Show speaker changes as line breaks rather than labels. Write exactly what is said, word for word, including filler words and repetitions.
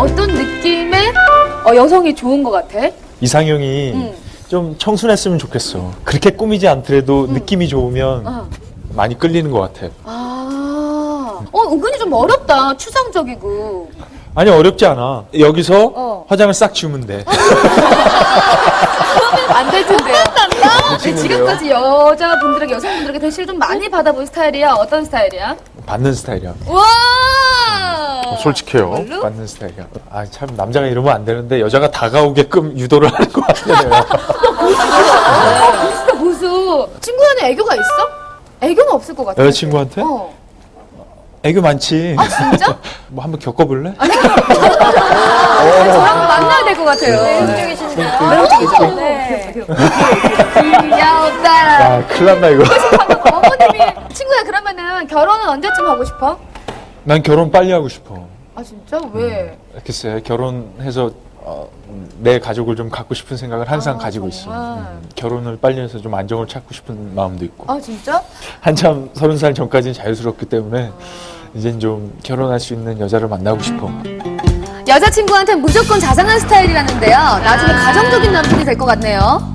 어떤 느낌의 어, 여성이 좋은 것 같아?
이상형이
음.
좀 청순했으면 좋겠어. 그렇게 꾸미지 않더라도 느낌이 좋으면
어.
많이 끌리는 것 같아.
아, 어, 은근히 좀 어렵다. 추상적이고.
아니 어렵지 않아. 여기서
어.
화장을 싹 지우면 돼.
안 될 텐데요. 네,
친구인데요.
지금까지 여자분들에게, 여성분들에게 대시를 좀 많이 받아본 스타일이야? 어떤 스타일이야?
받는 스타일이야.
와!
어, 솔직해요.
정말로?
받는 스타일이야. 아 참 남자가 이러면 안 되는데 여자가 다가오게끔 유도를 하는 것 같아 내가.
보수다, 보수. 친구에는 애교가 있어? 애교는 없을 것 같아.
여자친구한테?
어.
애교 많지.
아, 진짜?
뭐 한번 겪어볼래?
저랑 만나야 될 것 같아요.
매력적이신데요?
매력적이죠?
네.
귀여웠다.
아 큰일 났나 이거.
어머님이, 친구야, 그러면은 결혼은 언제쯤 하고 싶어?
난 결혼 빨리 하고 싶어.
아, 진짜? 왜?
글쎄 결혼해서 어, 내 가족을 좀 갖고 싶은 생각을 항상
아,
가지고 있어.
정말.
음, 결혼을 빨리 해서 좀 안정을 찾고 싶은 마음도 있고.
아, 진짜?
한참 서른 살 전까지는 자유스럽기 때문에 이젠 좀 결혼할 수 있는 여자를 만나고 싶어.
여자친구한테 무조건 자상한 스타일이라는데요. 나중에 가정적인 남편이 될 것 같네요.